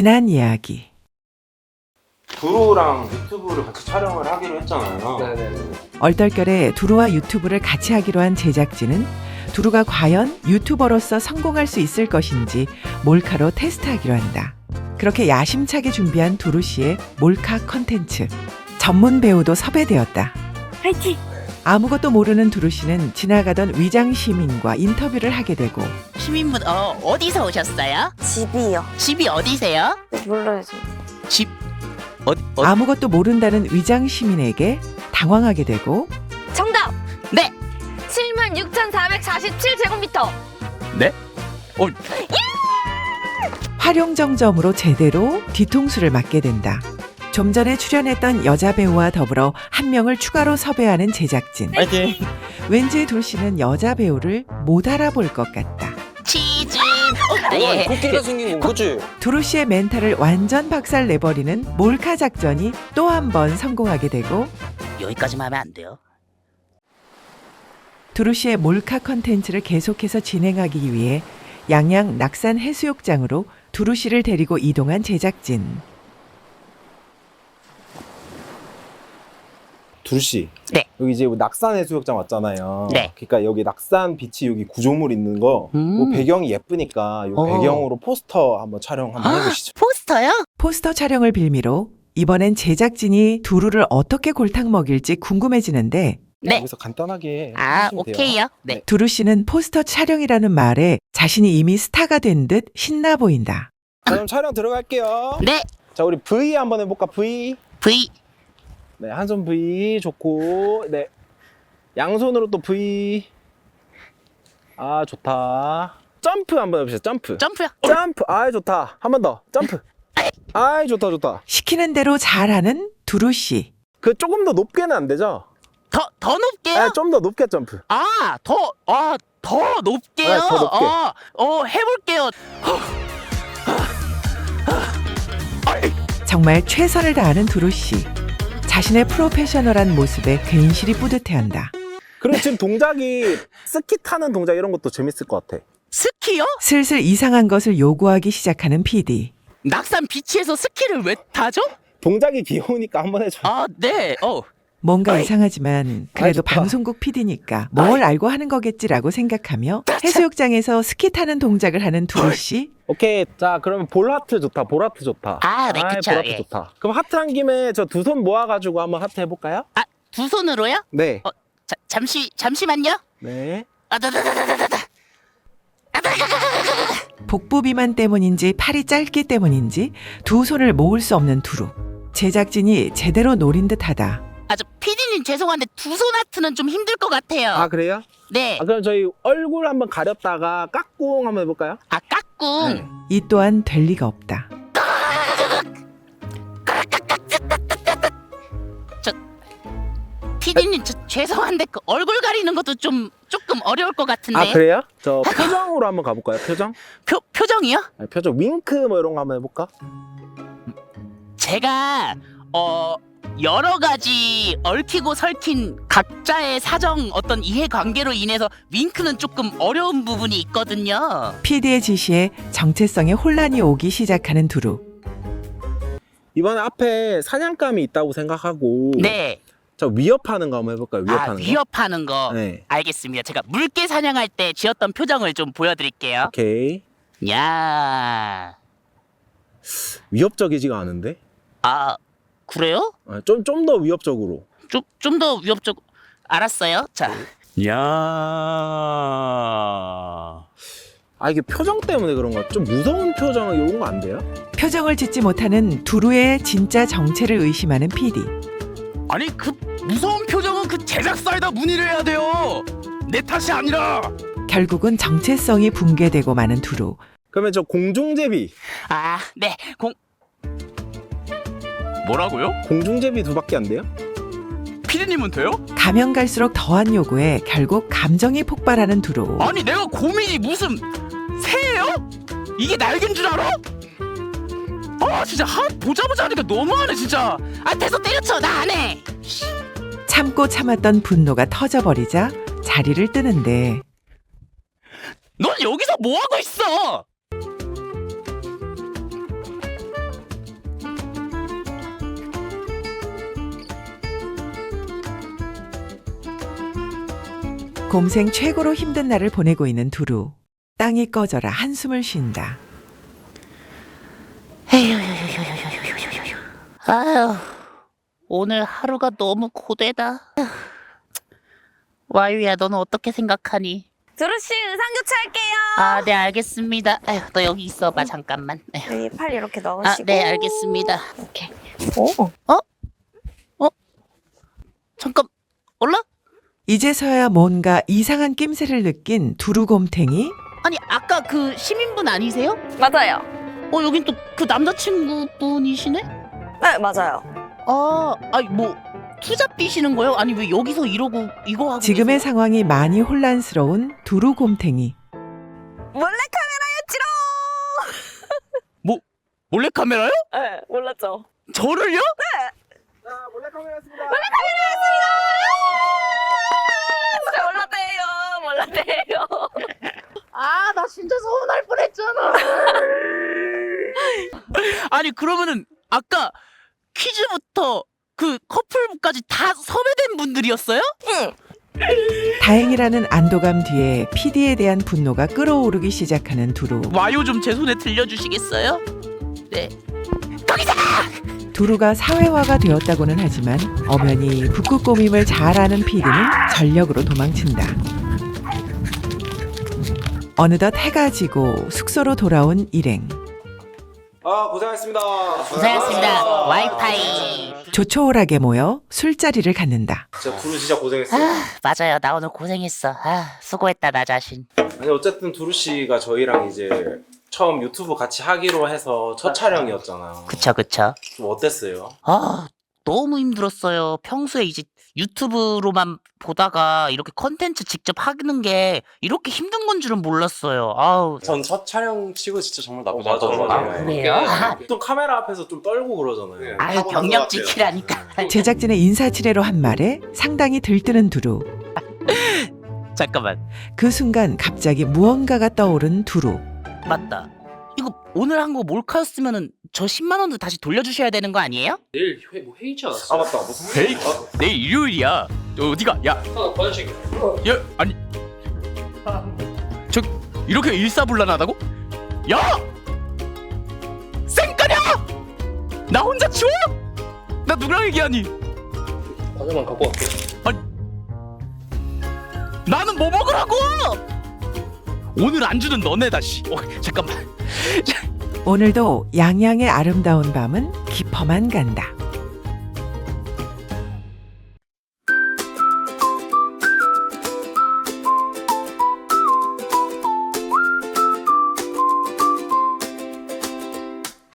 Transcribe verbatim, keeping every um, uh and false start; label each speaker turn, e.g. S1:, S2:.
S1: 지난 이야기.
S2: 두루랑 유튜브를 같이 촬영을 하기로 했잖아요.
S3: 네네.
S1: 얼떨결에 두루와 유튜브를 같이 하기로 한 제작진은 두루가 과연 유튜버로서 성공할 수 있을 것인지 몰카로 테스트하기로 한다. 그렇게 야심차게 준비한 두루 씨의 몰카 컨텐츠. 전문 배우도 섭외되었다.
S4: 화이팅!
S1: 아무것도 모르는 두루 씨는 지나가던 위장 시민과 인터뷰를 하게 되고
S5: 시민분 어 어디서 오셨어요?
S4: 집이요.
S5: 집이 어디세요?
S4: 몰라요, 저.
S5: 집 어, 어
S1: 아무것도 모른다는 위장 시민에게 당황하게 되고
S4: 정답!
S5: 네.
S4: 칠만 육천사백사십칠 제곱미터.
S5: 네? 어
S1: 활용정점으로 제대로 뒤통수를 맞게 된다. 좀 전에 출연했던 여자 배우와 더불어 한 명을 추가로 섭외하는 제작진.
S5: 파이팅.
S1: 왠지 둘 씨는 여자 배우를 못 알아볼 것 같다.
S5: 치즈. 어, 예.
S3: 코끼리가 생긴 건 그치?
S1: 두루 씨의 멘탈을 완전 박살 내버리는 몰카 작전이 또 한 번 성공하게 되고
S5: 여기까지만 하면 안 돼요.
S1: 두루 씨의 몰카 컨텐츠를 계속해서 진행하기 위해 양양 낙산 해수욕장으로 두루 씨를 데리고 이동한 제작진.
S3: 두루씨.
S5: 네.
S3: 여기 이제 낙산 해수욕장 왔잖아요.
S5: 네.
S3: 그러니까 여기 낙산 비치 여기 구조물 있는 거,
S5: 음.
S3: 요 배경이 예쁘니까 요
S5: 어.
S3: 배경으로 포스터 한번 촬영 한번 해보시죠.
S5: 포스터요?
S1: 포스터 촬영을 빌미로 이번엔 제작진이 두루를 어떻게 골탕 먹일지 궁금해지는데
S5: 네.
S3: 여기서 간단하게
S5: 아
S3: 하시면 돼요.
S5: 오케이요. 네.
S1: 두루 씨는 포스터 촬영이라는 말에 자신이 이미 스타가 된 듯 신나 보인다.
S3: 자, 그럼 촬영 들어갈게요.
S5: 네.
S3: 자, 우리 V 한번 해볼까? V.
S5: V.
S3: 네, 한 손 V 좋고, 네, 양손으로 또 V. 아, 좋다. 점프 한번 해보시죠. 점프.
S5: 점프요.
S3: 점프. 아, 좋다. 한 번 더. 점프. 아, 좋다, 좋다.
S1: 시키는 대로 잘하는 두루 씨.
S3: 그 조금 더 높게는 안 되죠?
S5: 더 더 높게요?
S3: 아, 좀 더 높게 점프.
S5: 아, 더, 아, 더 높게요?
S3: 네, 더 높게.
S5: 어, 어, 해볼게요.
S1: 정말 최선을 다하는 두루 씨. 자신의 프로페셔널한 모습에 괜시리 뿌듯해한다.
S3: 그리고 지금 동작이 스키 타는 동작 이런 것도 재밌을 것 같아.
S5: 스키요?
S1: 슬슬 이상한 것을 요구하기 시작하는 피디.
S5: 낙산 비치에서 스키를 왜 타죠?
S3: 동작이 귀여우니까 한번 해줘.
S5: 아, 네. 어.
S1: 뭔가
S5: 아이.
S1: 이상하지만 그래도
S3: 아이, 좋다.
S1: 방송국 피디니까 뭘 알고 하는 거겠지라고 생각하며 해수욕장에서 스키 타는 동작을 하는 두루 씨.
S3: 오케이. 자, 그러면 볼 하트 좋다. 볼 하트 좋다.
S5: 아, 네,
S3: 아이,
S5: 그쵸,
S3: 볼 하트
S5: 예.
S3: 좋다. 그럼 하트 한 김에 저 두 손 모아가지고 한번 하트 해볼까요?
S5: 아, 두 손으로요?
S3: 네.
S5: 어, 자, 잠시 잠시만요.
S3: 네.
S5: 아, 다다다다다다.
S1: 복부 비만 때문인지 팔이 짧기 때문인지 두 손을 모을 수 없는 두루. 제작진이 제대로 노린 듯하다.
S5: 아, 저 피디님 죄송한데 두 손 하트는 좀 힘들 것 같아요.
S3: 아, 그래요?
S5: 네.
S3: 아, 그럼 저희 얼굴 한번 가렸다가 까꿍 한번 해볼까요?
S5: 아, 까꿍.
S3: 네.
S1: 이 또한 될 리가 없다.
S5: 피디님 저 죄송한데 그 얼굴 가리는 것도 좀 조금 어려울 것 같은데.
S3: 아, 그래요? 저 표정으로 한번 가볼까요? 표정?
S5: 표 표정이요?
S3: 아니, 표정 윙크 뭐 이런 거 한번 해볼까?
S5: 제가 어 여러 가지 얽히고 설킨 각자의 사정 어떤 이해관계로 인해서 윙크는 조금 어려운 부분이 있거든요.
S1: 피디의 지시에 정체성에 혼란이 오기 시작하는 두루.
S3: 이번에 앞에 사냥감이 있다고 생각하고
S5: 네.
S3: 저 위협하는 거 한번 해볼까요?
S5: 아,
S3: 위협하는 거?
S5: 위협하는 거.
S3: 네.
S5: 알겠습니다. 제가 물개 사냥할 때 지었던 표정을 좀 보여드릴게요.
S3: 오케이.
S5: 야,
S3: 위협적이지가 않은데?
S5: 아 그래요?
S3: 아, 좀, 좀 더 위협적으로.
S5: 좀 좀 더 위협적. 알았어요. 자,
S6: 야.
S3: 아, 이게 표정 때문에 그런 거야. 좀 무서운 표정 이런 거 안 돼요?
S1: 표정을 짓지 못하는 두루의 진짜 정체를 의심하는 피디.
S6: 아니 그 무서운 표정은 그 제작사에다 문의를 해야 돼요. 내 탓이 아니라.
S1: 결국은 정체성이 붕괴되고 마는 두루.
S3: 그러면 저 공중제비.
S5: 아, 네, 공
S6: 뭐라고요?
S3: 공중제비 두 밖에 안 돼요?
S6: 피디님은 돼요?
S1: 가면 갈수록 더한 요구에 결국 감정이 폭발하는 두루.
S6: 아니 내가 고민이 무슨 새예요? 이게 날개인 줄 알아? 아 진짜 한 보자보자 하니까 너무하네 진짜.
S5: 아 됐어 때려쳐 나 안 해.
S1: 참고 참았던 분노가 터져버리자 자리를 뜨는데
S6: 넌 여기서 뭐 하고 있어?
S1: 곰생 최고로 힘든 날을 보내고 있는 두루. 땅이 꺼져라 한숨을 쉰다.
S5: 아유, 오늘 하루가 너무 고되다. 와유야, 너는 어떻게 생각하니?
S4: 두루씨 의상 교체할게요.
S5: 아, 네, 알겠습니다. 아유, 너 여기 있어봐, 잠깐만. 아유.
S4: 여기 팔 이렇게
S5: 아,
S4: 넣으시고.
S5: 네, 알겠습니다.
S4: 이렇게. 오.
S5: 잠깐, 올라?
S1: 이제서야 뭔가 이상한 낌새를 느낀 두루곰탱이.
S5: 아니, 아까 그 시민분 아니세요?
S4: 맞아요.
S5: 어, 여긴 또 그 남자친구분이시네?
S4: 네, 맞아요.
S5: 아, 아니, 뭐, 투잡 뛰시는 거예요? 아니, 왜 여기서 이러고, 이거 하고.
S1: 지금의
S5: 계세요?
S1: 상황이 많이 혼란스러운 두루곰탱이.
S4: 몰래 카메라였지롱.
S6: 뭐 몰래카메라요?
S4: 네, 몰랐죠.
S6: 저를요?
S3: 몰래카메라였습니다.
S4: 진짜 몰랐대요. 몰랐대요.
S5: 아, 나 진짜 서운할 뻔했잖아.
S6: 아니 그러면은 아까 퀴즈부터 그 커플까지 다 섭외된 분들이었어요?
S4: 응.
S1: 다행이라는 안도감 뒤에 피디에 대한 분노가 끓어오르기 시작하는 두루.
S6: 와요 좀 제 손에 들려주시겠어요? 네.
S1: 두루가 사회화가 되었다고는 하지만 엄연히 북극 꼬밈을 잘 아는 피디는 전력으로 도망친다. 어느덧 해가 지고 숙소로 돌아온 일행.
S2: 아 고생하셨습니다.
S5: 고생하셨습니다. 와이파이.
S1: 조촐하게 모여 술자리를 갖는다.
S2: 진짜 두루 진짜 고생했어요.
S5: 아, 맞아요. 나 오늘 고생했어. 아, 수고했다, 나 자신.
S2: 아니 어쨌든 두루 씨가 저희랑 이제 처음 유튜브 같이 하기로 해서 첫 촬영이었잖아요.
S5: 그쵸, 그쵸.
S2: 좀 어땠어요?
S5: 아, 너무 힘들었어요. 평소에 이제 유튜브로만 보다가 이렇게 컨텐츠 직접 하는 게 이렇게 힘든 건 줄은 몰랐어요. 아우.
S2: 전 첫 촬영 치고 진짜 정말 나쁘지
S7: 어, 맞아,
S2: 않았던 것
S7: 맞아.
S2: 같아요.
S5: 그래요? 아,
S2: 보통 카메라 앞에서 좀 떨고 그러잖아요.
S5: 아유, 경력 지키라니까.
S1: 제작진의 인사치레로 한 말에 상당히 들뜨는 두루.
S6: 잠깐만.
S1: 그 순간 갑자기 무언가가 떠오른 두루.
S5: 맞다. 이거 오늘 한 거 몰카였으면은 저 십만 원도 다시 돌려주셔야 되는 거 아니에요?
S7: 내일 회, 뭐 회의지 않았어?
S2: 아 맞다 무슨
S6: 에이, 내일 일요일이야. 어디가? 야,
S7: 아, 화장실.
S6: 야, 아니, 저 이렇게 일사불란하다고? 야, 쌩까냐? 나 혼자 치워? 나 누구랑 얘기하니?
S7: 과자만 갖고 갈게.
S6: 나는 뭐 먹으라고? 오늘 안주는 너네다 씨. 어, 잠깐만.
S1: 오늘도 양양의 아름다운 밤은 깊어만 간다.